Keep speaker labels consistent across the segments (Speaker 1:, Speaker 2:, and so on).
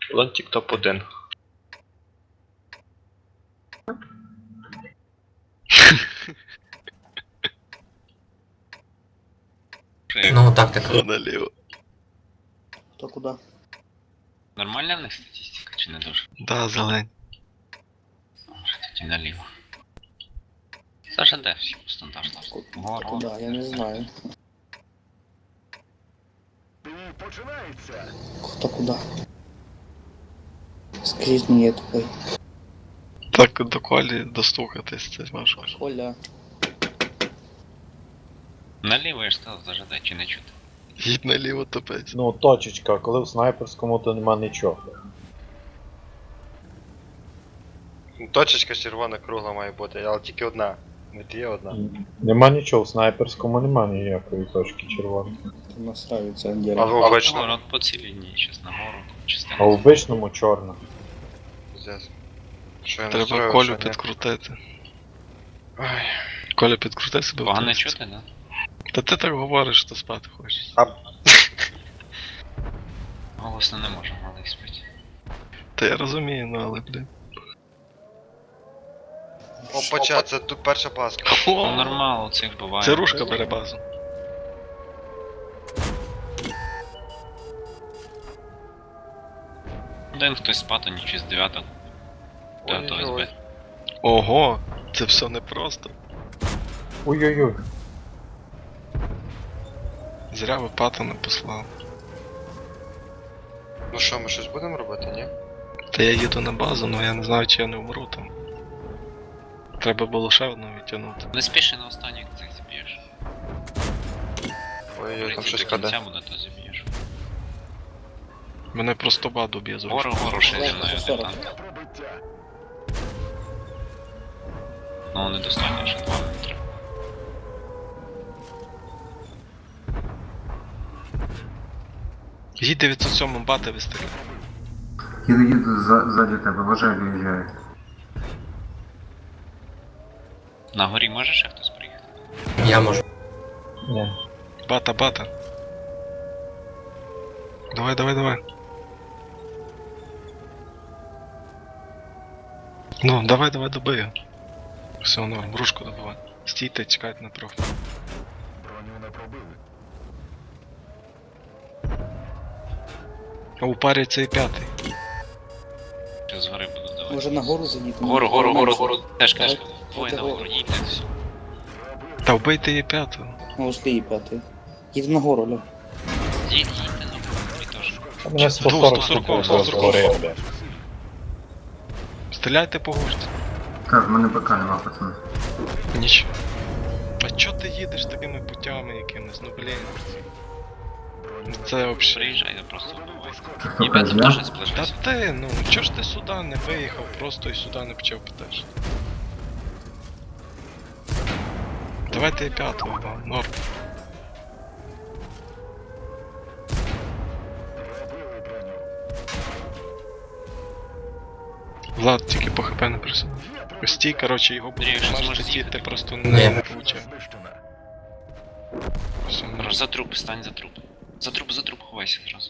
Speaker 1: Лонтик топ-1.
Speaker 2: Ну, тактика.
Speaker 3: Все наліво.
Speaker 4: Хто куди?
Speaker 5: Нормальна в них статистика чи не дуже?
Speaker 3: Да, зелень.
Speaker 5: Може тоді наліво. Саша де всі по стандарту? Вгору.
Speaker 4: Куди? Я не знаю. Хто куди? Скажіть мені, я тупий.
Speaker 3: Так до колі достукатись, це важко.
Speaker 4: Оля.
Speaker 5: Наліво я ж сказав, зажадай чи не чути.
Speaker 3: Їдь наліво топець.
Speaker 6: Ну, точечка, коли в снайперському, то нема нічого.
Speaker 1: Точечка червона кругла має бути, але тільки одна. От є одна.
Speaker 6: Нема нічого, в снайперському нема ніякої точки червоної.
Speaker 4: Ти настраюється
Speaker 1: А
Speaker 4: отдельно.
Speaker 1: в
Speaker 5: Вгору,
Speaker 1: обичному.
Speaker 5: от по цій лінії, щас нагору, частина.
Speaker 6: А в обичному чорна.
Speaker 1: Пиздец. Що я
Speaker 3: Треба
Speaker 1: настроїв,
Speaker 3: Колю
Speaker 1: що ні?
Speaker 3: підкрутити.
Speaker 1: Ой.
Speaker 3: Коля, підкрути себе в
Speaker 5: Погано
Speaker 3: тексті.
Speaker 5: чути, да?
Speaker 3: Та ти так говориш, що спати хочеш.
Speaker 1: А
Speaker 5: Голосно не можу, малий спить.
Speaker 3: Та я розумію, ну але, блін.
Speaker 1: опача, це тут перша паска.
Speaker 5: Ну
Speaker 3: О,
Speaker 5: нормал, у цих буває.
Speaker 3: це рушка бере базу.
Speaker 5: Один хтось спати, ніч з 9.
Speaker 1: Ой-ой-ой.
Speaker 5: СБ.
Speaker 3: Ого, це все непросто.
Speaker 6: Ой-ой-ой.
Speaker 3: Зря ви патона послав.
Speaker 1: Ну що, ми щось будемо робити, ні?
Speaker 3: Та я їду на базу, але я не знаю, чи я не вмру там. Треба було ще одного відтягнути.
Speaker 5: Не спіши на останніх цих заб'єш.
Speaker 1: Ой-ой, там щось
Speaker 5: До кінця
Speaker 1: каде.
Speaker 5: буде, то заб'єш.
Speaker 3: Мене просто баду б'є з рушки.
Speaker 5: Гору ще зі
Speaker 4: Легко,
Speaker 5: мною
Speaker 4: за 40.
Speaker 5: танк. Ну недостатньо, ще 2 метри.
Speaker 3: Їдь 907 бата вистріляй.
Speaker 7: Їду ззаді тебе, вважаю, виїжджає.
Speaker 5: На горі може ще хтось приїхати?
Speaker 2: Я можу.
Speaker 6: Ні.
Speaker 3: Бата, бата. Давай, давай, давай. Ну, давай, давай, добий його. Все, норм, ружку добивай. Стійте, чекайте на профі. А у парі цей п'ятий.
Speaker 5: Ще з гори буду давати.
Speaker 4: Може нагору заїдемо?
Speaker 5: Гору. Теж
Speaker 4: Давай.
Speaker 5: двоє на
Speaker 4: Давай.
Speaker 5: гору, їдьте. Все.
Speaker 3: Та вбийте її п'ятого.
Speaker 4: На услі п'ятий. Їдемо нагору, Оля.
Speaker 5: Їдьте на гору, і теж.
Speaker 6: А мене 140
Speaker 3: 140,
Speaker 6: штук
Speaker 3: 140.
Speaker 6: згори, бля.
Speaker 3: Стріляйте по гушці.
Speaker 7: Так, в мене БК нема, пацани.
Speaker 3: Нічого. А чо ти їдеш такими путями якимись, ну блін. Це вообще.
Speaker 5: Приїжджай, я просто вбивай.
Speaker 7: Це хто
Speaker 5: І п'ятим
Speaker 7: каже,
Speaker 5: теж
Speaker 7: я?
Speaker 3: Та
Speaker 5: сплежився.
Speaker 3: ти, ну, чо ж ти сюди не виїхав, просто і сюди не почав питати? Давайте і п'ятого, да, норм. Влад тільки по хп не присунув. Стій, короче, його
Speaker 5: Андрій, якщо
Speaker 3: можеш
Speaker 5: зможеш
Speaker 3: стій, ти
Speaker 5: з'їхати.
Speaker 3: просто
Speaker 2: Ні.
Speaker 3: не влучав. Все, норм.
Speaker 5: За труп, стань за труп. За труп ховайся зразу.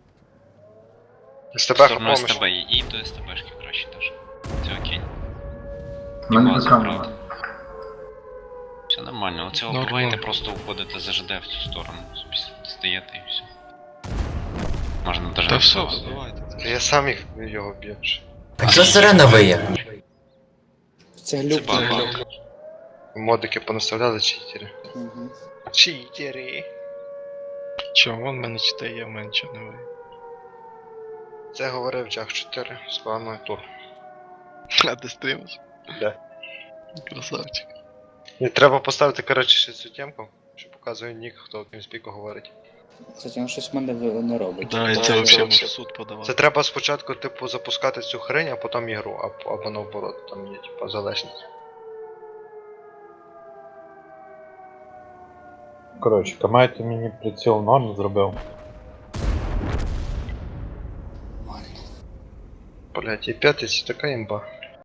Speaker 1: СТБ
Speaker 5: В сторону
Speaker 1: помощь.
Speaker 5: СТБ і до СТБшки краще теж. Це окей.
Speaker 7: В мене
Speaker 5: Базу
Speaker 7: БК
Speaker 5: брати.
Speaker 7: нема.
Speaker 5: Все нормально, оцього
Speaker 3: Норм,
Speaker 5: буваєте,
Speaker 3: норм.
Speaker 5: просто уходите за ЖД в цю сторону. Собі стаєте і все. Можна даже
Speaker 3: Та
Speaker 5: не
Speaker 3: все,
Speaker 5: вбивати.
Speaker 3: давайте.
Speaker 1: Я сам їх його б'ю.
Speaker 2: Так що сирена виє?
Speaker 4: Це
Speaker 5: Це
Speaker 4: глюк.
Speaker 5: баг.
Speaker 1: Модики понаставляли читери.
Speaker 4: Угу.
Speaker 1: Читери.
Speaker 3: Чо, вон в мене 4 є, в мене нічого не виє.
Speaker 1: Це говорив Джах 4 з планою тур.
Speaker 3: А ти стрімиш?
Speaker 1: Да.
Speaker 3: Красавчик.
Speaker 1: І треба поставити, коротше, ще цю темку, що показує нік, хто ким спіку говорить.
Speaker 4: Кстати, він щось в мене не робить.
Speaker 3: Да, і
Speaker 1: Це
Speaker 3: це вообще
Speaker 1: вообще-
Speaker 3: може в суд подавати.
Speaker 1: Це треба спочатку, типу, запускати цю хрень, а потім ігру, або наоборот, там є, типу, залежність.
Speaker 6: Коротше, Камайто мені приціл норм зробив.
Speaker 1: Блять, і п'ятий це така імба.